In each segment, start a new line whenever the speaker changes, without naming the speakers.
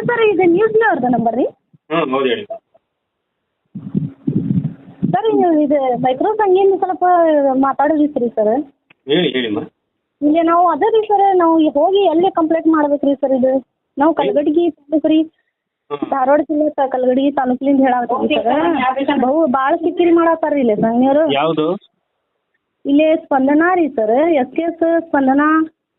Sir ಇದು news ಅವ್ರದ್ದು number ರೀ?
ಹೌದು ಹೇಳಿ.
ಸರ್ ಇದು ಮೈಕ್ರೋ ಸಂಘದಿಂದ ಸ್ವಲ್ಪ ಮಾತಾಡೋದಿತ್ತು ರೀ ಸರ್.
ಹೇಳಿಮ್ಮ.
ಇಲ್ಲಿ ನಾವು ಅದೇ ರೀ ಸರ್, ನಾವು ಹೋಗಿ ಎಲ್ಲಿ ಕಂಪ್ಲೇಂಟ್ ಮಾಡ್ಬೇಕು ರೀ ಸರ್? ಇದು ನಾವು ಕಲಗಡಗಿ ತಾಲೂಕು ರೀ, ಧಾರವಾಡ ಜಿಲ್ಲೆ ಕಲಗಡಗಿ ತಾಲೂಕಿನಿಂದ ಹೇಳಾಕತ್ತೀವಿ ಸರ್. ಭಾಳ ಕಿರಿಕಿರಿ ಮಾಡತ್ತಾರ ರೀ ಇಲ್ಲಿ ಸಂಘ್ಯವರು.
ಯಾವುದು?
ಇಲ್ಲಿ ಸ್ಪಂದನಾ ರೀ ಸರ್, SKS ಸ್ಪಂದನಾ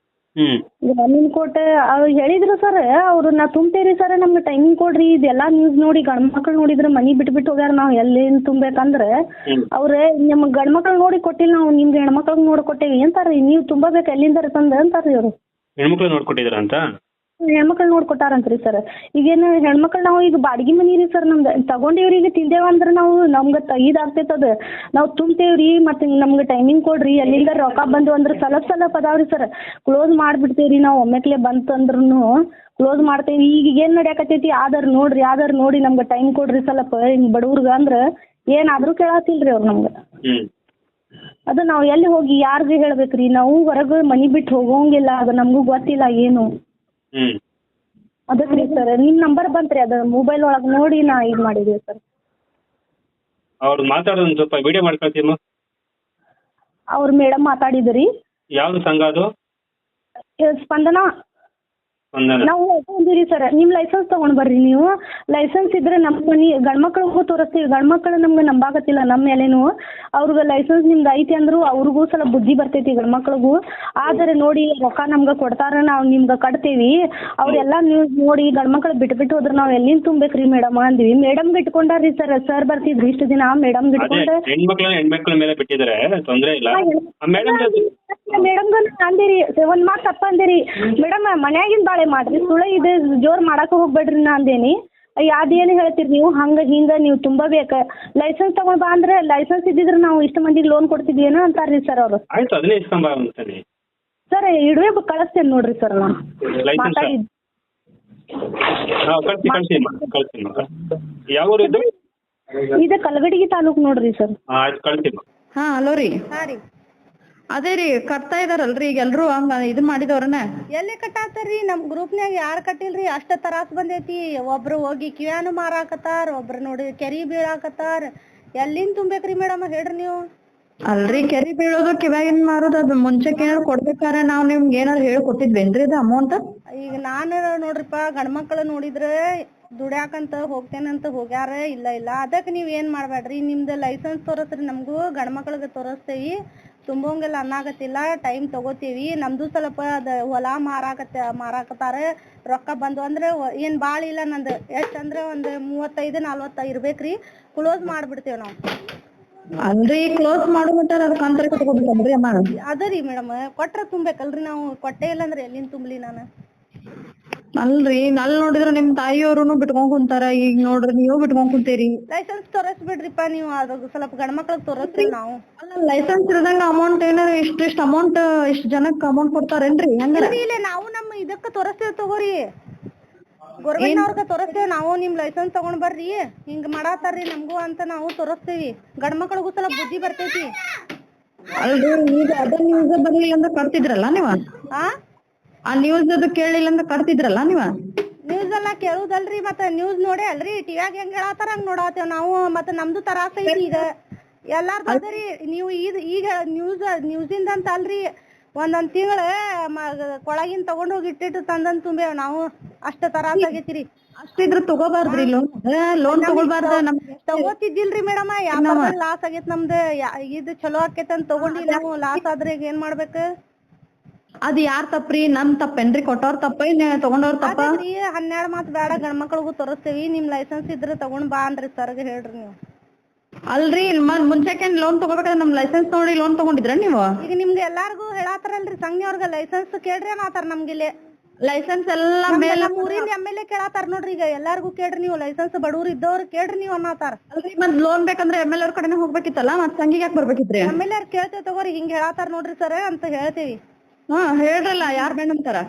ಕೋಟೆ ಅವ್ರು ಹೇಳಿದ್ರು ಸರ್. ಅವ್ರು ನಾ ತುಂಬ್ತೇವ್ರಿ ಸರ್, ನಮ್ಗೆ ಟೈಮಿಂಗ್ ಕೊಡ್ರಿ, ಇದೆಲ್ಲ ನ್ಯೂಸ್ ನೋಡಿ ಗಂಡ್ ಮಕ್ಳು ನೋಡಿದ್ರೆ ಮನಿ ಬಿಟ್ಟು ಹೋಗ್ಯಾರ, ನಾವು ಎಲ್ಲಿ ತುಂಬೇಕಂದ್ರೆ ಅವ್ರೆ ನಿಮ್ಗೆ ಗಂಡ್ ಮಕ್ಳು ನೋಡಿ ಕೊಟ್ಟಿಲ್ಲ, ನಾವು ನಿಮ್ಗೆ ಹೆಣ್ಮಕ್ಳಿಗೆ ನೋಡಿ ಕೊಟ್ಟೇವಿ ಅಂತಾರ್ರಿ. ನೀವು ತುಂಬಬೇಕು ಎಲ್ಲಿಂದ ತಂದ ಅಂತಾರ್ರಿ ಅವರು.
ಹೆಣ್ಮಕ್ಳು ನೋಡ್ಕೊಟ್ಟಿದ್ರ ಅಂತ?
ಹೆಣ್ಮಕ್ಳು ನೋಡ್ಕೊಟ್ಟಾರಂತ್ರಿ ಸರ್. ಈಗೇನು ಹೆಣ್ಮಕ್ಳು ನಾವು ಈಗ ಬಾಡಿಗೆ ಮನಿ ರೀ ಸರ್ ನಮ್ದು, ತಗೊಂಡೇವ್ರಿ. ಈಗ ತಿಂದೇವ ಅಂದ್ರೆ ನಾವು ನಮ್ಗೆ ಇದಾಗ್ತೈತೆ ಅದು, ನಾವು ತುಂಬ್ತೇವ್ರಿ. ಮತ್ತೆ ನಮ್ಗೆ ಟೈಮಿಂಗ್ ಕೊಡ್ರಿ, ಎಲ್ಲಿಂದ ರೊಕ್ಕ ಬಂದು ಅಂದ್ರೆ ಸ್ವಲ್ಪ ಅದಾವ್ರಿ ಸರ್. ಕ್ಲೋಸ್ ಮಾಡಿಬಿಡ್ತೇವ್ರಿ ನಾವು, ಒಮ್ಮೆಕ್ಲೆ ಬಂತಂದ್ರೂ ಕ್ಲೋಸ್ ಮಾಡ್ತೇವಿ. ಈಗ ಏನು ನಡೆಯಕತ್ತೈತಿ, ಆಧಾರ್ ನೋಡಿ ನಮ್ಗೆ ಟೈಮ್ ಕೊಡ್ರಿ ಸ್ವಲ್ಪ ಹಿಂಗೆ ಬಡವ್ರಿಗೆ ಅಂದ್ರೆ ಏನಾದರೂ ಕೇಳತ್ತಿಲ್ರಿ ಅವ್ರು ನಮ್ಗೆ. ಅದು ನಾವು ಎಲ್ಲಿ ಹೋಗಿ ಯಾರಿಗೆ ಹೇಳ್ಬೇಕ್ರಿ? ನಾವು ಹೊರಗೆ ಮನಿ ಬಿಟ್ಟು ಹೋಗೋಂಗಿಲ್ಲ, ಅದು ನಮಗೂ ಗೊತ್ತಿಲ್ಲ ಏನು. ಅದಕ್ಕೆ ರೀ ಸರ್ ನಿಮ್ಮ ನಂಬರ್ ಬಂತ್ರಿ, ಅದು ಮೊಬೈಲ್ ಒಳಗೆ ನೋಡಿ ನಾ ಇದು ಮಾಡಿದ್ದೀವಿ ಸರ್.
ಅವ್ರು ಮಾತಾಡೋದು ಸ್ವಲ್ಪ ವಿಡಿಯೋ ಮಾಡ್ಕೊಳ್ತೀಮ್ಮ.
ಅವ್ರು ಮೇಡಮ್ ಮಾತಾಡಿದ್ರಿ.
ಯಾವ್ದು ಸಂಘ ಅದು?
ಸ್ಪಂದನಾ. ನಾವು ಅಂದಿರಿ ಸರ್, ನಿಮ್ಮ ಲೈಸೆನ್ಸ್ ತಗೊಂಡ್ ಬರ್ರಿ. ನೀವು ಲೈಸೆನ್ಸ್ ಇದ್ರೆ ನಮ್ಮ ಮನಿ ಗಂಡ್ಮಕ್ಳಿಗೂ ತೋರಿಸ್ತೀವಿ. ಗಂಡ್ಮಕ್ಳು ನಮ್ಗೆ ನಂಬಾಕತ್ತಿಲ್ಲ ನಮ್ಮ ಮೇಲೇನು. ಅವ್ರಿಗೆ ಲೈಸೆನ್ಸ್ ನಿಮ್ದು ಐತಿ ಅಂದ್ರು ಅವ್ರಿಗೂ ಸ್ವಲ್ಪ ಬುದ್ಧಿ ಬರ್ತೈತಿ ಗಂಡ್ಮಕ್ಳಿಗೂ. ಆದರೆ ನೋಡಿ ರೊಕ್ಕ ನಮ್ಗೆ ಕೊಡ್ತಾರ, ನಾವು ನಿಮ್ಗೆ ಕಟ್ತೇವಿ. ಅವ್ರೆಲ್ಲ ನ್ಯೂಸ್ ನೋಡಿ ಗಂಡ್ಮಕ್ಳು ಬಿಟ್ಟು ಹೋದ್ರೆ ನಾವು ಎಲ್ಲಿಂದ ತುಂಬೇಕ್ರಿ ಮೇಡಮ್ ಅಂದ್ವಿ. ಮೇಡಮ್ ಇಟ್ಕೊಂಡಾರ್ರಿ ಸರ್. ಸರ್ ಬರ್ತಿದ್ರು ಇಷ್ಟು ದಿನ, ಮೇಡಮ್ ಇಟ್ಕೊಂಡು
ಹೆಣ್ಮಕ್ಳ ಮೇಲೆ ಬಿಟ್ಟಿದ್ದಾರೆ, ತೊಂದರೆ ಇಲ್ಲ.
ಮೇಡಮ್ಗ ಅಂದಿರಿ ಒಂದ್ ಮಾತು ತಪ್ಪ ಅಂದಿರಿ ಮೇಡಮ್, ಮನ್ಯಾಗಿನ ಬಾಳೆ ಮಾಡ್ರಿ, ಸುಳ್ಳ ಇದು ಜೋರ್ ಮಾಡಾಕ ಹೋಗ್ಬೇಡ್ರಿ ನಾ ಅಂದೇನಿ. ಅದೇನು ಹೇಳ್ತೀರಿ ನೀವು? ಹಂಗ ಹಿಂಗ ನೀವು ತುಂಬಬೇಕ, ಲೈಸೆನ್ಸ್ ತಗೊಂಡ್ ಬಾ ಅಂದ್ರೆ ಲೈಸೆನ್ಸ್ ಇದ್ದಿದ್ರೆ ನಾವು ಇಷ್ಟು ಮಂದಿಗೆ ಲೋನ್ ಕೊಡ್ತಿದ್ವಿ ಅಂತಾರ್ರಿ ಸರ್ ಅವರು. ಸರ್ ಇಡುವೆ ಕಳಿಸ್ತೇನೆ ನೋಡ್ರಿ ಸರ್. ನಾನು ಮಾತಾಡಿದ್ದು ಇದು ಕಲಗಡಗಿ ತಾಲೂಕ್ ನೋಡ್ರಿ ಸರ್.
ಹಾ ಹಲೋ ರೀ.
ಹಾ ರೀ.
ಅದೇ ರೀ ಕಟ್ತಾ ಇದಾರಲ್ರಿ ಈಗ ಎಲ್ರು ಹಂಗ ಇದು ಮಾಡಿದವ್ರನ್ನ.
ಎಲ್ಲಿ ಕಟ್ಟಾತಾರ್ರಿ? ನಮ್ ಗ್ರೂಪ್ನ್ಯಾಗ ಯಾರು ಕಟ್ಟಿಲ್ರಿ. ಅಷ್ಟ ತ್ರಾಸ್ ಬಂದೈತಿ. ಒಬ್ರು ಹೋಗಿ ಕಿವ್ಯಾನು ಮಾರಾಕತ್ತಾರ, ಒಬ್ರು ನೋಡಿ ಕೆರಿ ಬೀಳಾಕತ್ತಾರ. ಎಲ್ಲಿಂದ ತುಂಬೇಕ್ರಿ ಮೇಡಮ್ ಹೇಳ್ರಿ ನೀವು?
ಅಲ್ರಿ ಕೆರಿ ಬೀಳೋದು ಕಿವ್ಯಾಗಿನ್ ಮಾರೋದು ಅದು ಮುಂಚೆಕ್ ಏನಾರು ಕೊಡ್ಬೇಕಾರ ನಾವ್ ನಿಮ್ಗೆ ಏನಾರು ಹೇಳಿ ಕೊಟ್ಟಿದ್ವೇನ್ರಿ ಅದು ಅಮೌಂಟ್?
ಈಗ ನಾನು ನೋಡ್ರಿಪ್ಪ, ಗಂಡ್ಮಕ್ಳು ನೋಡಿದ್ರೆ ದುಡ್ಯಾಕಂತ ಹೋಗ್ತೇನಂತ ಹೋಗ್ಯಾರ. ಇಲ್ಲ ಅದಕ್ಕೆ ನೀವ್ ಏನ್ ಮಾಡ್ಬೇಡ್ರಿ, ನಿಮ್ದು ಲೈಸೆನ್ಸ್ ತೋರಿಸ್ರಿ. ನಮಗೂ ಗಂಡ್ಮಕ್ಳಿಗೆ ತೋರಿಸ್ತೇವಿ, ತುಂಬೋಂಗೆಲ್ಲ ಅನ್ನಾಗತ್ತಿಲ್ಲ, ಟೈಮ್ ತಗೋತೀವಿ. ನಮ್ದು ಸ್ವಲ್ಪ ಅದ ಹೊಲ ಮಾರಾಕತ್ತಾರ. ರೊಕ್ಕ ಬಂದು ಅಂದ್ರೆ ಏನ್ ಭಾಳ ಇಲ್ಲ, ನಂದು ಎಷ್ಟಂದ್ರೆ ಒಂದು 35-40 ಇರ್ಬೇಕ್ರಿ. ಕ್ಲೋಸ್ ಮಾಡ್ಬಿಡ್ತೇವ್ ನಾವು.
ಅಲ್ರಿ ಕ್ಲೋಸ್ ಮಾಡೋ ಮಟ್ಟ ಅದಕ್ಕೆ ಅಂತರ ಕಟ್ಕೊಬೇಕಲ್ರಿ ಅಮ್ಮ?
ಅದರಿ ಮೇಡಮ್, ಕೊಟ್ರ ತುಂಬೇಕಲ್ರಿ ನಾವು. ಕೊಟ್ಟೆ ಇಲ್ಲ ಅಂದ್ರೆ ಎಲ್ಲಿಂದ ತುಂಬಲಿ ನಾನು?
ಅಲ್ರಿ ಅಲ್ಲಿ ನೋಡಿದ್ರ ನಿಮ್ ತಾಯಿಯವ್ರುನು ಬಿಟ್ಕೊಂಡ್ ಕುಂತಾರ, ಈಗ ನೋಡ್ರಿ ನೀವು ಬಿಟ್ಕೊಂಡ್ ಕುಂತೀರಿ.
ಲೈಸೆನ್ಸ್ ತೋರಿಸ್ಬಿಡ್ರಿಪ್ಪ ನೀವು, ಅದು ಸ್ವಲ್ಪ ಗಂಡ್ಮಕ್ಳಿಗೆ ತೋರಿಸ್ತೀವಿ ನಾವು.
ಅಲ್ಲ ಲೈಸೆನ್ಸ್ ಇರದಂಗ ಅಮೌಂಟ್ ಏನಾರ ಇಷ್ಟ ಅಮೌಂಟ್ ಇಷ್ಟ ಜನಕ್ಕೆ ಅಮೌಂಟ್ ಕೊಡ್ತಾರೇನ್ರಿ?
ಇಲ್ಲ ನಾವು ನಮ್ಮ ಇದಕ್ಕೆ ತೋರಿಸ್ತೇವೆ ತಗೋರಿ, ಗೌರ್ಮೆಂಟ್ನವ್ರಿಗೆ ತೋರಿಸ್ತೇವೆ ನಾವು. ನಿಮ್ ಲೈಸೆನ್ಸ್ ತಗೊಂಡ್ ಬರ್ರಿ, ಹಿಂಗ್ ಮಾಡಾತಾರ್ರಿ ನಮಗೂ ಅಂತ ನಾವು ತೋರಿಸ್ತೀವಿ. ಗಂಡ್ಮಕ್ಳಿಗೂ ಸ್ವಲ್ಪ ಬುದ್ಧಿ ಬರ್ತೈತಿ.
ಅಲ್ರಿ ಈಗ ಅದ ನ್ಯೂಸ್ ಬರ್ಲಿಲ್ಲ ಅಂತ ಕಟ್ತಿದ್ರಲ್ಲ ನೀವ? ಆ ನ್ಯೂಸ್ ಅದು ಕೇಳಿಲ್ಲ ಅಂತ ಕಟ್ತಿದ್ರಲ್ಲ ನೀವ?
ನ್ಯೂಸ್ ಎಲ್ಲ ಕೇಳುದಲ್ರಿ, ಮತ್ತೆ ನ್ಯೂಸ್ ನೋಡಿ ಅಲ್ರಿ ಟಿವ್ಯಾಗ ಹೆಂಗ್ ಹೇಳಾತಾರ ಹಂಗ್ ನೋಡಾತೇವ್ ನಾವು. ಮತ್ತೆ ನಮ್ದು ತರಾಸ ಐತಿ ಈಗ ಎಲ್ಲಾರ್ದು ಅದರಿ. ನೀವು ಈಗ ನ್ಯೂಸಿಂದ ಅಂತ ಅಲ್ರಿ, ಒಂದೊಂದ್ ತಿಂಗಳ ಕೊಳಗಿನ ತಗೊಂಡ್ ಹೋಗಿ ಇಟ್ಟಿಟ್ಟು ತಂದಂದ್ ತುಂಬೇವ್ ನಾವು. ಅಷ್ಟ ತರಾಸ ಆಗೈತಿರಿ.
ಅಷ್ಟಿದ್ರ ತಗೋಬಾರ್ದ್ರಿ ಲೋನ್ ತಗೋಬಾರ್ದ.
ತಗೋತಿದ್ದಿಲ್ರಿ ಮೇಡಮ್, ಯಾವ ಲಾಸ್ ಆಗೈತ್ ನಮ್ದು. ಇದು ಚಲೋ ಆಕೇತ್ ಅಂತ ತಗೊಂಡಿಲ್ಲ ನಾವು, ಲಾಸ್ ಆದ್ರೆ ಈಗ ಏನ್ ಮಾಡ್ಬೇಕು?
ಅದ್ ಯಾರ್ ತಪ್ಪ್ರಿ? ನಮ್ ತಪ್ಪೇನ್ರಿ? ಕೊಟ್ಟವ್ರ ತಪ್ಪ ತಗೊಂಡವ್ರ ತಪ್ಪ?
12 ಮಾತ್ ಬೇಡ, ಗಂಡ್ಮಕ್ಳಿಗೂ ತೋರಿಸ್ತೇವಿ. ನಿಮ್ ಲೈಸೆನ್ಸ್ ಇದ್ರೆ ತಗೊಂಡ್ ಬಾ ಅಂದ್ರಿ ಸರ್ಗೆ ಹೇಳ್ರಿ ನೀವು.
ಅಲ್ರಿ ಮುಂಚೆಕೇನ್ ಲೋನ್ ತಗೋಬೇಕಾದ್ರೆ ನಮ್ ಲೈಸೆನ್ಸ್ ನೋಡಿ ಲೋನ್ ತಗೊಂಡಿದ್ರ ನೀವು?
ಈಗ ನಿಮ್ಗೆ ಎಲ್ಲಾರ್ಗು ಹೇಳಾತಾರಲ್ರಿ ಸಂಘ್ಯವ್ರಿಗೆ, ಲೈಸೆನ್ಸ್ ಕೇಳ್ರಿ ಅನ್ನತಾರ ನಮ್ಗಿಲ್ಲಿ.
ಲೈಸೆನ್ಸ್ ಎಲ್ಲಾ ಮೇಲೆ
ಊರಿಂದ MLA ಕೇಳಾತಾರ ನೋಡ್ರಿ. ಈಗ ಎಲ್ಲಾರ್ಗು ಕೇಳ್ರಿ ನೀವು, ಲೈಸೆನ್ಸ್ ಬಡವ್ರು ಇದ್ದವ್ರು ಕೇಳ್ರಿ ನೀವು ಅನ್ನತಾರ.
ಅಲ್ರಿ ಮತ್ ಲೋನ್ ಬೇಕಂದ್ರೆ MLA ಅವ್ರ ಕಡೆನೇ ಹೋಗ್ಬೇಕಿತ್ತಲ್ಲ, ಮತ್ ಸಂಘಿಗೆ ಯಾಕೆ ಬರ್ಬೇಕಿತ್ರಿ?
MLA ಕೇಳ್ತೇವ್ ತಗೋರಿ, ಹಿಂಗ್ ಹೇಳಾತಾರ ನೋಡ್ರಿ ಸರ್ ಅಂತ ಹೇಳ್ತೇವಿ.
ಹಾ ಹೇಳ್ರಲ್ಲ, ಯಾರ್ ಬೇಡ ಅಂತಾರ?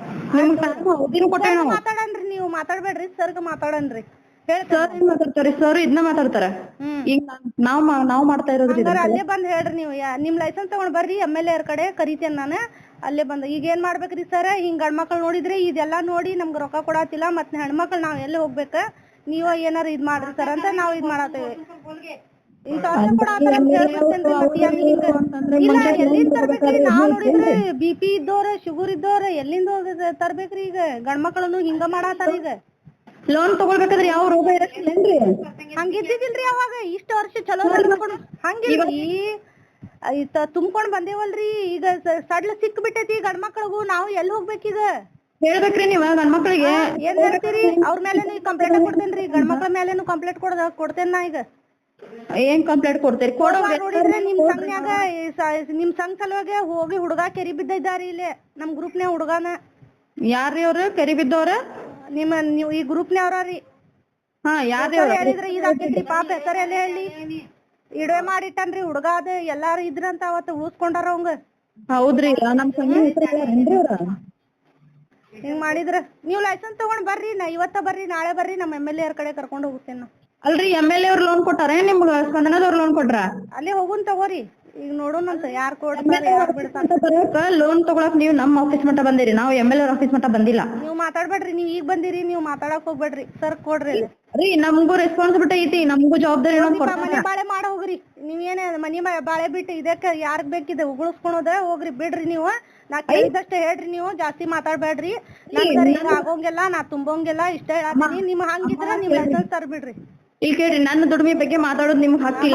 ಮಾತಾಡನ್ರಿ ನೀವು, ಮಾತಾಡ್ಬೇಡ್ರಿ ಸರ್ಗ ಮಾತಾಡನ್ರಿ.
ಸರ್ ಏನ್ ಮಾತಾಡ್ತಾರಿ? ಸರ್ ಇದನ್ನ ಮಾತಾಡ್ತಾರ. ಈಗ ನಾವ್ ಮಾಡ್ತಾ ಇರೋದ್ರಿ.
ಅಲ್ಲೇ ಬಂದ್ ಹೇಳ್ರಿ ನೀವು, ನಿಮ್ ಲೈಸೆನ್ಸ್ ತಗೊಂಡ್ ಬರ್ರಿ, MLA ಅವ್ರ ಕಡೆ ಕರಿತೇನೆ ನಾನು. ಅಲ್ಲೇ ಬಂದ ಈಗ ಏನ್ ಮಾಡ್ಬೇಕ್ರಿ ಸರ್ ಹಿಂಗ್ ಗಂಡ್ಮಕ್ಳು ನೋಡಿದ್ರೆ ಇದೆಲ್ಲಾ ನೋಡಿ ನಮ್ಗೆ ರೊಕ್ಕ ಕೊಡಾತಿಲ್ಲ ಮತ್ ಹೆಣ್ಮಕ್ಳು ನಾವ್ ಎಲ್ಲಿ ಹೋಗ್ಬೇಕ ನೀವ ಏನಾರ ಇದ್ ಮಾಡ್ರಿ ಸರ್ ಅಂತ ನಾವ್ ಇದ್ ಮಾಡತ್ತೇವೆ ಇಂತ ವರ್ಷ ಕೊಡಾತಾರ ಅಂತ ಹೇಳ್ಬಿಡ್ತೇನ್ರಿ ಮತ್ತೆ ಅಲ್ಲಿ ಹಿಂಗ ಇಲ್ಲ ಎಲ್ಲಿಂದ ತರ್ಬೇಕ್ರಿ ನಾವ್ ನೋಡಿದ್ರೆ BP ಇದ್ದವ್ರ ಶುಗರ್ ಇದ್ದವ್ರ ಎಲ್ಲಿಂದ ತರ್ಬೇಕ್ರಿ ಈಗ ಗಂಡ್ಮಕ್ಳನ್ನು ಹಿಂಗ ಮಾಡಾತಾರ ಈಗ
ಲೋನ್ ತಗೊಳ್ಬೇಕಾದ್ರೆ ಯಾವ ರೋಗ ಇರಕ್ಕಿಲ್ಲೇನ್ರಿ
ಹಂಗಿದ್ದಿಲ್ರಿ ಅವಾಗ ಇಷ್ಟ ವರ್ಷ ಚಲೋ ಹಂಗಿಲ್ರಿ ತುಂಬ್ಕೊಂಡ್ ಬಂದೇವಲ್ರಿ ಈಗ ಸಡ್ಲ ಸಿಕ್ ಬಿಟ್ಟೈತಿ ಗಂಡ್ಮಕ್ಳಿಗೂ ನಾವು ಎಲ್ಲಿ ಹೋಗ್ಬೇಕೀಗ
ಹೇಳ್ಬೇಕ್ರಿ ನೀವ ಗಂಡ್ಮಕ್ಳಿಗೆ
ಏನ್ ಹೇಳ್ತೀರಿ ಅವ್ರ ಮೇಲೆನು ಕಂಪ್ಲೇಂಟ್ ಕೊಡ್ತೇನ್ರಿ ಗಂಡ್ಮಕ್ಳ ಮೇಲೆನು ಕಂಪ್ಲೇಂಟ್ ಕೊಡ್ತೇನ್ ನಾ ಈಗ
ಏನ್ ಕಂಪ್ಲೇಂಟ್ ಕೊಡ್ತೀರಿ
ನೋಡಿದ್ರೆ ನಿಮ್ ಸಂಘನ್ಯಾಗ ನಿಮ್ ಸಂಘ ಸಲುವಾಗಿ ಹೋಗಿ ಹುಡುಗ ಕೆರಿ ಬಿದ್ದಿದ್ದಾರಿ ಇಲ್ಲಿ ನಮ್ ಗ್ರೂಪ್ನ್ಯಾಗ ಹುಡುಗನ
ಯಾರ್ರಿ ಅವ್ರು ಕೆರಿ ಬಿದ್ದವ್ರ
ನೀವು ಈ ಗ್ರೂಪ್ನ್ಯಾವ್ರಿ
ಹಾ ಯಾರ್ರಿ
ಹೇಳಿದ್ರೆ ಇದಾಕೈತ್ರಿ ಪಾಪ ಹೆಸರು ಎಲ್ಲಿ ಹೇಳಿ ಇಡವೆ ಮಾಡಿಟ್ಟನ್ರಿ ಹುಡುಗ ಅದ ಎಲ್ಲಾರು ಇದ್ರಂತ ಅವತ್ತು ಉಳಿಸ್ಕೊಂಡಾರ ಅವಂಗ
ಹೌದ್ರಿ ನಮ್ ಸಂಘ ಹೆಸರೇನ್ರಿ ಅವ್ರ
ಹಿಂಗ್ ಮಾಡಿದ್ರ ನೀವ್ ಲೈಸೆನ್ಸ್ ತಗೊಂಡ್ ಬರ್ರಿ ಇವತ್ತ ಬರ್ರಿ ನಾಳೆ ಬರ್ರಿ ನಮ್ಮ MLA ಅವ್ರ ಕಡೆ ಕರ್ಕೊಂಡ್ ಹೋಗ್ತೇನೆ
ಅಲ್ರಿ MLA ಅವ್ರ ಲೋನ್ ಕೊಟ್ಟಾರ ನಿಮ್ಗ ಸ್ಪಂದನದವ್ರ ಲೋನ್ ಕೊಟ್ರ
ಅಲ್ಲೇ ಹೋಗುನ್ ತಗೋರಿ ಈಗ ನೋಡೋಣಂತ ಯಾರ್ ಕೊಡ್ತಾರ ಯಾರ್ ಬಿಡ್ತಾರ
ಲೋನ್ ತಗೊಳಕ್ ನೀವ್ ನಮ್ ಆಫೀಸ್ ಮಟ್ಟ ಬಂದಿರಿ ನಾವು MLA ಅವ್ರ ಆಫೀಸ್ ಮಟ್ಟ ಬಂದಿಲ್ಲ
ನೀವ್ ಮಾತಾಡ್ಬೇಡ್ರಿ ನೀವ್ ಈಗ ಬಂದಿರಿ ನೀವ್ ಮಾತಾಡಕ್ ಹೋಗ್ಬೇಡ್ರಿ ಸರ್ ಕೊಡ್ರಿ
ರೀ ನಮಗೂ ರೆಸ್ಪಾನ್ಸಿಬಿಲಿಟಿ ಐತಿ ನಮಗೂ ಜವಾಬ್ದಾರಿ
ಮನಿ ಬಾಳೆ ಮಾಡ ಹೋಗ್ರಿ ನೀವೇನೇ ಮನಿ ಬಾಳೆ ಬಿಟ್ಟು ಇದಕ್ಕ ಯಾರ್ಗ್ ಬೇಕಿದೆ ಉಗುಳಿಸ್ಕೊಳೋದ ಹೋಗ್ರಿ ಬಿಡ್ರಿ ನೀವು ನಾ ಕೇಳಿದಷ್ಟೇ ಹೇಳ್ರಿ ನೀವು ಜಾಸ್ತಿ ಮಾತಾಡ್ಬೇಡ್ರಿ ನನ್ ಈಗ ಆಗೋಂಗಿಲ್ಲ ನಾ ತುಂಬೋಂಗಿಲ್ಲ ಇಷ್ಟ ಹೇಳತ್ತೀನಿ ನಿಮ್ ಹಂಗಿದ್ರ ನೀವ್ ಲೈಸೆನ್ಸ್ ತರ್ಬಿಡ್ರಿ
ಈಗ ಕೇಳ್ರಿ ನನ್ನ ದುಡಿಮೆ ಬಗ್ಗೆ ಮಾತಾಡೋದು ನಿಮ್ಗೆ ಹಕ್ಕಿಲ್ಲ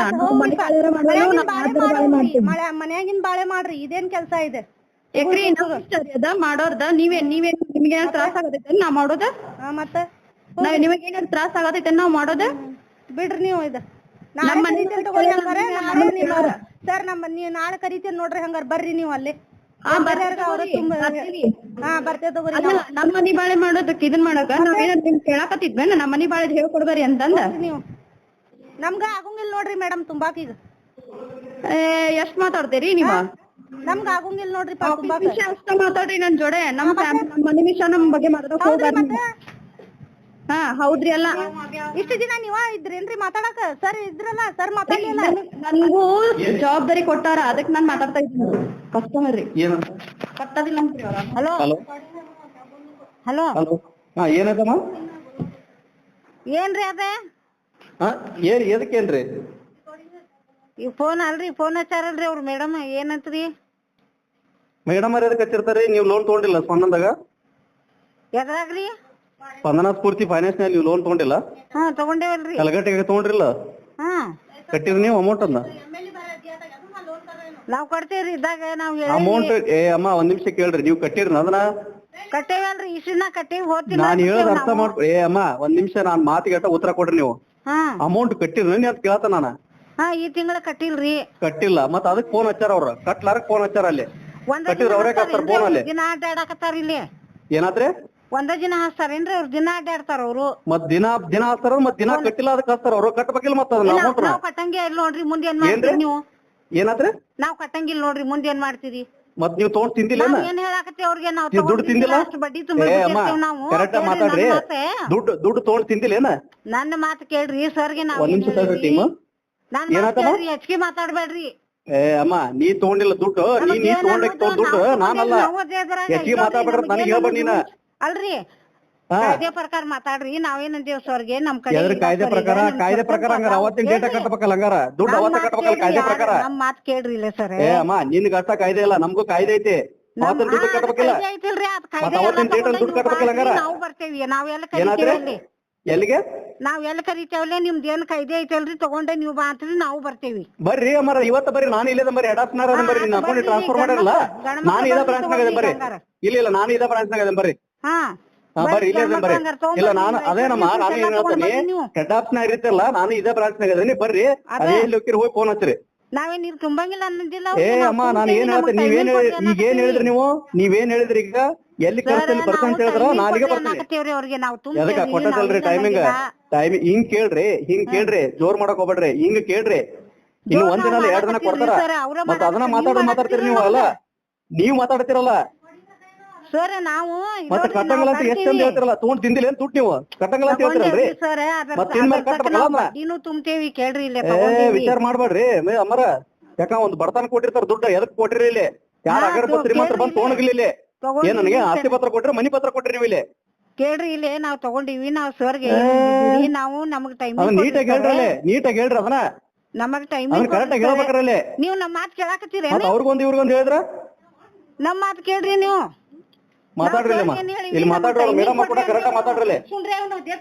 ಮನ್ಯಾಗಿನ್ ಬಾಳೆ ಮಾಡ್ರಿ ಇದೇನ್ ಕೆಲ್ಸ ಇದೆ
ಅದ ಮಾಡೋರ್ದ ನೀವೇನ್ ನಿಮ್ಗೆ ತ್ರಾಸ ಆಗತೈತೆ ನಾವ್ ಮಾಡೋದ
ಮತ್ತೆ
ನಿಮಗ್ ಏನಾದ್ರು ತ್ರಾಸ ಆಗತೈತೆ ನಾವ್ ಮಾಡೋದ
ಬಿಡ್ರಿ ನೀವು ಇದು ಸರ್ ನೀವ್ ನಾಳೆ ಕರಿತೀರಿ ನೋಡ್ರಿ ಹಂಗಾರ ಬರ್ರಿ ನೀವು ಅಲ್ಲಿ ಬರ್ತೇವೆ ತಗೋರಿ
ನಮ್ ಮನಿ ಬಾಳೆ ಮಾಡೋದಕ್ಕೆ ಇದನ್ ಮಾಡಕ ನಾವೇನಾದ್ರು ನಿಮ್ ಕೇಳಾಕತ್ತಿದ್ವೇನ ನಮ್ ಮನಿ ಬಾಳೆ ಹೇಳ್ಕೊಡ್ಬಾರಿ ಅಂತಂದ
ನೀವು ನಮ್ಗ ಆಗುಂಗಿಲ್ಲ ನೋಡ್ರಿ ಮೇಡಮ್ ತುಂಬಾಕ್ ಈಗ
ಎಷ್ಟ್ ಮಾತಾಡ್ತೀರಿ ನೀವ
ನಮ್ಗ ಆಗುಂಗಿಲ್ಲ ನೋಡ್ರಿ
ಅಷ್ಟ ಮಾತಾಡ್ರಿ ನನ್ ಜೋಡೆ ನಮ್ ಮನಿ ವಿಷಯ ನಮ್ ಬಗ್ಗೆ ಮಾತಾಡಕ್ ಹೋಗ್ಬಾರ್ದು ಹಾ ಹೌದ್ರಿ ಅಲ್ಲ
ಇಷ್ಟು ದಿನ ನೀವ ಇದ್ರೇನ್ರಿ ಮಾತಾಡಕ ಸರ್ ಇದ್ರಲ್ಲ ಸರ್ ಮಾತಾಡ್ಲಿಲ್ಲ
ನನ್ಗೂ ಜವಾಬ್ದಾರಿ ಕೊಟ್ಟಾರ ಅದಕ್ ನಾನ್ ಮಾತಾಡ್ತಾ ಇದ್ದೀನಿ ಕಸ್ಟಮರ್ ರೀ ಕಟ್ಟದಿಲ್ಲ ಅಂತ್ರಿ ಅವ್ರ ಹಲೋ
ಹಲೋ
ಹಾ ಏನದಮ್ಮ
ಏನ್ರಿ ಅದ
ಎದಕ್ಕೇನ್ರಿ
ಈ ಫೋನ್ ಅಲ್ರಿ ಫೋನ್ ಹಚ್ಚಾರಲ್ರಿ ಅವ್ರು ಮೇಡಮ್ ಏನಂತ್ರಿ
ಮೇಡಮ್ ಅವ್ರ ಎದಕ್ ಹಚ್ಚಿರ್ತಾರಿ ನೀವು ಲೋನ್ ತಗೊಂಡಿಲ್ಲ ಸ್ಪಂದನದಾಗ
ಎದ್ರಾಗ್ರಿ
ಸ್ಪಂದನ ಸ್ಫೂರ್ತಿ ಫೈನಾನ್ಸ್ ನಲ್ಲಿ ನೀವು ಲೋನ್ ತಗೊಂಡಿಲ್ಲ
ತಗೊಂಡೇವಲ್ರಿ
ಕಲಗಟ್ಟಿಗೆ ತಗೊಂಡ್ರಿಲ್ಲ ಕಟ್ಟಿದ್ರಿ ನೀವು ಅಮೌಂಟ್ ಅನ್ನ
ನಾವ್ ಕೊಡ್ತೇವ್ರಿ ಇದ್ದಾಗ ನಾವ್
ಅಮೌಂಟ್ ಅಮ್ಮ ಒಂದ್ ನಿಮಿಷ ಕೇಳ್ರಿ ನೀವು ಕಟ್ಟಿದ್ರಿ ಅದನ್ನ
ಕಟ್ಟೇವಲ್ರಿ ಇಷ್ಟನ್ನ ಕಟ್ಟೇವಿ ಹೋಗ್ತೀನಿ
ನಾನ್ ಹೇಳೋದ್ ಅರ್ಥ ಮಾಡ್ಕೊ ಅಮ್ಮ ಒಂದ್ ನಿಮಿಷ ನಾನ್ ಮಾತಿಗೆ ಉತ್ತರ ಕೊಡ್ರಿ ನೀವು ಅಮೌಂಟ್ ಕಟ್ಟಿದ್ರಿ ಅಂತ ಕೇಳ್ತ ನಾನ
ಈ ತಿಂಗಳ ಕಟ್ಟಿಲ್ರಿ
ಕಟ್ಟಿಲ್ಲ ಮತ್ ಅದಕ್ ಫೋನ್ ಹಚ್ಚಾರ ಅವ್ರ ಕಟ್ಲಾರಕ್ ಫೋನ್ ಹಚ್ಚಾರ ಅಲ್ಲಿ ಕಟ್ಟಿದ್ರ ಅವ್ರೇ ಕಟ್ತಾರ ಫೋನ್ ಅಲ್ಲಿ
ದಿನ ಅಡ್ಡಾಡಕತ್ತಾರ ಇಲ್ಲಿ
ಏನಾದ್ರಿ
ಒಂದ ದಿನ ಹಾಸ್ತಾರೇನ್ರಿ ಅವ್ರ ದಿನ ಅಡ್ಡಾಡ್ತಾರ ಅವ್ರು
ಮತ್ ದಿನ ಹಾಕ್ತಾರ ಮತ್ ದಿನ ಕಟ್ಟಿಲ್ಲ ಅದಕ್ಕೆ ಹಾಕ್ತಾರ ಅವ್ರು ಕಟ್ಬೇಕಿಲ್ಲ ಮತ್ತ ಅಮೌಂಟ್
ನಾವ್ ಕಟ್ಟಂಗೆ ಇಲ್ಲ ನೋಡ್ರಿ ಮುಂದೆ ಏನ್ ಮಾಡ್ತೀರಿ ನೀವು
ಏನಾದ್ರಿ
ನಾವ್ ಕಟ್ಟಂಗಿಲ್ಲ ನೋಡ್ರಿ ಮುಂದೆ ಏನ್ ಮಾಡ್ತೀರಿ
ಮತ್ ನೀವ್ ತಗೊಂಡ್ ತಿಂದಿಲ್ಲ
ಏನ್ ಹೇಳಾಕತ್ತಿ ಅವ್ರಿಗೆ ನಾವ್
ದುಡ್ಡು ತಿಂದಿಲ್ಲ
ಅಷ್ಟು ಬಡ್ಡಿ ತುಂಬಿರ್ತೀವಿ ನಾವು
ಕರೆಕ್ಟ್ ಮಾತಾಡ್ರಿ ದುಡ್ಡು ತಗೊಂಡ್ ತಿಂದಿಲ್ಲ ಏನ
ನನ್ನ ಮಾತು ಕೇಳ್ರಿ ಸರ್ಗೆ ನಾವ್
ಒಂದ್ ನಿಮಿಷ ತಡ್ರಿ ಟೀಮ್
ನಾನ್ ಹೆಚ್ಚಿಗೆ ಮಾತಾಡ್ಬೇಡ್ರಿ
ಅಮ್ಮ ನೀ ತಗೊಂಡಿಲ್ಲ ದುಡ್ಡು ನೀ ತಗೊಂಡ ದುಡ್ಡು ನಾನಲ್ಲ ಹೆಚ್ಚಿಗೆ ಮಾತಾಡ್ಬೇಡ್ರ ನನಗೆ ಹೇಳ್ಬೇಡ ನೀನ
ಅಲ್ರಿ ಕಾಯ್ದೆ ಪ್ರಕಾರ ಮಾತಾಡ್ರಿ ನಾವೇನಂದೇವ್ ಸರ್ಗೆ ನಮ್ ಕಡೆ
ಕಾಯ್ದೆ ಪ್ರಕಾರ ಹಂಗಾರ ಅವತ್ತಿನ ಡೇಟ ಕಟ್ಟಬೇಕಲ್ಲ ಹಂಗಾರ ದುಡ್ಡು ಅವತ್ತ ಕಟ್ಟಬೇಕಲ್ಲ ಕಾಯ್ದೆ ಪ್ರಕಾರ
ನಮ್ ಮಾತ್ ಕೇಳ್ರಿ ಇಲ್ಲ ಸರ್
ಅಮ್ಮ ನಿನ್ಗ ಅಷ್ಟ ಕಾಯ್ದೆ ಇಲ್ಲ ನಮ್ಗೂ ಕಾಯ್ದೆ ಐತಿ ಅವತ್ತಿನ ದುಡ್ಡು ಕಟ್ಟಬೇಕಿಲ್ಲ ಅವತ್ತಿನ ಡೇಟ್ ದುಡ್ಡು ಕಟ್ಟಬೇಕಲ್ಲ ಹಂಗಾರ
ನಾವು ಬರ್ತೇವಿ ನಾವೆಲ್ಲ ಕರಿತೇವಲ್ಲಿ
ಎಲ್ಲಿಗೆ
ನಾವ್ ಎಲ್ಲ ಕರಿತೇವಲ್ಲ ನಿಮ್ದು ಏನ್ ಕಾಯ್ದೆ ಐತಲ್ರಿ ತಗೊಂಡೆ ನೀವು ಬಾ ಅಂತ್ರಿ ನಾವು ಬರ್ತೇವಿ
ಬರ್ರಿ ಅಮ್ಮಾರ ಇವತ್ತ ಬರ್ರಿ ನಾನು ಇಲ್ಲದ ಬರ್ರಿ ಹೆಡ್ ಆಫ್ ನಾರ ಬರ್ರಿ ನಿನ್ನ ಅಕೌಂಟ್ ಟ್ರಾನ್ಸ್ಫರ್ ಮಾಡಿರಲ್ಲ ನಾನು ಇದ ಬ್ರಾಂಚ್ ನಾಗ ಬರ್ರಿ ಇಲ್ಲ ನಾನು ಇದ ಬ್ರಾಂಚ್ ನಾಗ ಬರ್ರಿ ಬರ್ರಿ ಇಲ್ಲೇ ಬರ್ರಿ ಇಲ್ಲ ನಾನು ಅದೇನಮ್ಮ ನಾನು ಏನ್ ಹೇಳ್ತೀನಿ ಹೆಡ್ ಆಫ್ ನಾಗ ಇರ್ತಲ್ಲ ನಾನು ಇದೇ ಬ್ರಾಂಚ್ ನಾಗ ಅದೀನಿ ಬರ್ರಿ ಅದೇ ಇಲ್ಲಿ ಹೋಗಿ ಫೋನ್ ಹಚ್ಚ್ರಿ
ನಾವೇನ್ ನೀವ್ ತುಂಬಂಗಿಲ್ಲ ಅನ್ನೋದಿಲ್ಲ
ಅಮ್ಮ ನಾನು ಏನ್ ಹೇಳ್ತೀನಿ ಈಗ ಏನ್ ಹೇಳಿದ್ರಿ ನೀವೇನ್ ಹೇಳಿದ್ರಿ ಈಗ ಎಲ್ಲಿ ಕರ್ಸಲ್ಲಿ ಬರ್ತಾನೆ ಹೇಳಿದ್ರ ನಾಲಿಗೆ ಬರ್ತೀನಿ ಎದಕ್ಕ ಕೊಟ್ಟದಲ್ರಿ ಟೈಮಿಂಗ್ ಹಿಂಗ್ ಕೇಳ್ರಿ ಜೋರ್ ಮಾಡಕ್ ಹೋಗ್ಬೇಡ್ರಿ ಹಿಂಗ್ ಕೇಳ್ರಿ ಇನ್ನು ಒಂದ್ ದಿನ 2 ದಿನ ಕೊಡ್ತಾರ ಮತ್ತ ಅದನ್ನ ಮಾತಾಡ್ತೀರಿ ನೀವು ಅಲ್ಲ ನೀವ್ ಮಾತಾಡ್ತಿರಲ್ಲ
ಸರ್ ನಾವು
ಮತ್ತೆ ಕಟ್ಟಂಗಲ್ಲ ಅಂತ ಎಷ್ಟ್ ಅಂತ ಹೇಳ್ತಿರಲ್ಲ ತಗೊಂಡ್ ತಿಂದಿಲ್ಲ ಏನ್ ದುಡ್ಡು ನೀವು ಕಟ್ಟಂಗಲ್ಲ ಅಂತ ಹೇಳ್ತಿರಲ್ರಿ ಮತ್ತೆ ಇನ್ಮೇಲೆ ಕಟ್ಟಬೇಕಲ್ಲ
ಇನ್ನೂ ತುಂಬ್ತೇವಿ ಕೇಳ್ರಿ
ವಿಚಾರ ಮಾಡ್ಬೇಡ್ರಿ ಅಮ್ಮರ ಯಾಕ ಒಂದ್ ಬಡತನ ಕೊಟ್ಟಿರ್ತಾರ ದುಡ್ಡು ಎದಕ್ ಕೊಟ್ಟಿರಿ ಇಲ್ಲಿ ಯಾರ ಅಗರಬ ಶ್ರೀಮಂತರ ಬಂದ್ ತಗೊಂಡಿಲ್ಲ ಇಲ್ಲಿ ಏನ್ ನನಗೆ ಆಸ್ತಿ ಪತ್ರ ಕೊಟ್ರಿ ಮನಿ ಪತ್ರ ಕೊಟ್ರಿ ನೀವು ಇಲ್ಲಿ
ಕೇಳ್ರಿ ಇಲ್ಲಿ ನಾವ್ ತಗೊಂಡಿವಿ ನಾವ್ ಸರ್ಗೆ ನಾವು ನಮಗ್ ಟೈಮ್
ಅದನ್ನ ನೀಟಾಗಿ ಹೇಳ್ರಿ ನೀಟಾಗಿ ಹೇಳ್ರಿ ಅದನ್ನ
ನಮಗ್ ಟೈಮ್
ಅದನ್ನ ಕರೆಕ್ಟ್ ಆಗಿ ಹೇಳ್ಬೇಕ್ರಲ್ಲಿ
ನೀವ್ ನಮ್ ಮಾತ್ ಕೇಳಾಕತ್ತೀರಿ
ಮತ್ತ ಅವ್ರಿಗೊಂದ್ ಇವ್ರಿಗೊಂದ್ ಹೇಳಿದ್ರ
ನಮ್ ಮಾತ್ ಕೇಳ್ರಿ ನೀವು
ಮಾತಾಡ್ರಿ ಇಲ್ಲಿ ಮಾತಾಡ್ರಿ ಮೇಡಮ್ ಕೂಡ ಕರೆಕ್ಟ್ ಮಾತಾಡ್ರಿ
ಸುಮ್ರೆ